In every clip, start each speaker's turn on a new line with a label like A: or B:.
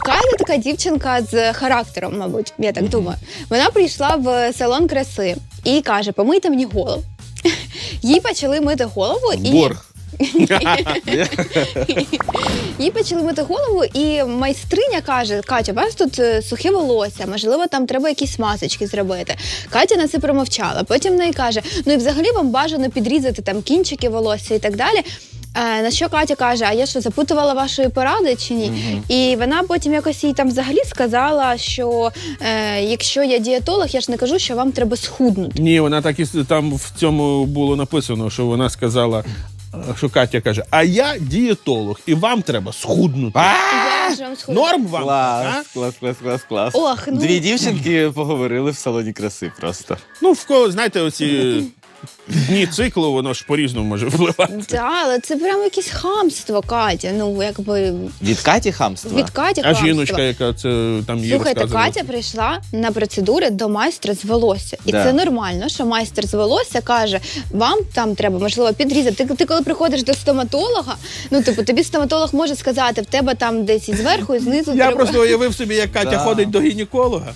A: Катя така дівчинка з характером, мабуть, я так думаю. Вона прийшла в салон краси і каже, помийте мені голову. Їй почали мити голову і...
B: Борг.
A: Їй почали мити голову, і майстриня каже, Катя, у вас тут сухе волосся, можливо, там треба якісь масочки зробити. Катя на це промовчала. Потім в неї каже, ну і взагалі вам бажано підрізати там кінчики волосся і так далі. На що Катя каже, а я що, запитувала вашої поради чи ні? І вона потім якось їй там взагалі сказала, що якщо я дієтолог, я ж не кажу, що вам треба схуднути.
B: Ні, вона так і там в цьому було написано, що вона сказала, що Катя каже, а я дієтолог, і вам треба схуднути.
A: Я ж вам схудну.
B: Норм вам? а?
C: Клас.
A: Ох, ну.
C: Дві дівчинки поговорили в салоні краси просто.
B: Ну, в кого, знаєте, оці дні циклу, воно ж по-різному може впливати.
A: Так, але це прямо якесь хамство, Катя. Ну, якби
C: Від Каті хамства?
A: від Каті
B: А
A: хамство.
B: жіночка, яка це там їй
A: Слухайте,
B: розказувала.
A: Катя прийшла на процедури до майстра з волосся. І
C: Да.
A: це нормально, що майстер з волосся каже, вам там треба, можливо, підрізати. Ти коли приходиш до стоматолога, ну, типу, тобі стоматолог може сказати, в тебе там десь і зверху, і знизу
B: Я
A: треба...
B: просто уявив собі, як Катя
C: Да.
B: ходить до гінеколога.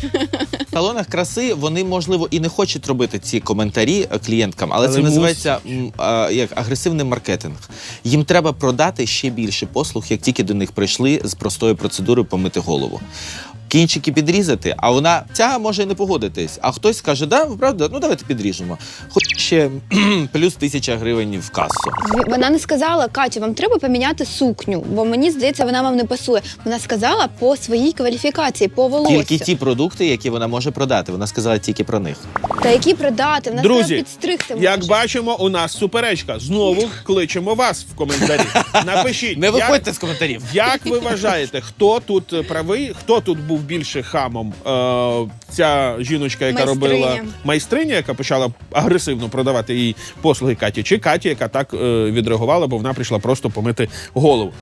C: В салонах краси вони, можливо, і не хочуть робити ці коментарі клієнткам, але це
B: Але
C: називається як агресивний маркетинг. Їм треба продати ще більше послуг, як тільки до них прийшли з простою процедурою помити голову. Кінчики підрізати, а вона може і не погодитись. А хтось скаже, да, правда, ну давайте підріжемо. Хоч ще плюс 1000 гривень в касу.
A: Вона не сказала, Катя, вам треба поміняти сукню, бо мені здається, вона вам не пасує. Вона сказала по своїй кваліфікації, по волоссю.
C: Тільки ті продукти, які вона може продати. Вона сказала тільки про них.
A: Та які продати? Вона сказала,
B: Друзі,
A: підстригти
B: як
A: може.
B: бачимо, у нас суперечка. Знову кличемо вас в коментарі. Напишіть,
C: Не виходьте з коментарів.
B: як ви вважаєте, хто тут правий, хто тут був більше хамом? Ця жіночка, яка
A: Майстриня.
B: робила майстриня, яка почала агресивно продавати їй послуги Каті, чи Катя, яка так відреагувала, бо вона прийшла просто помити голову.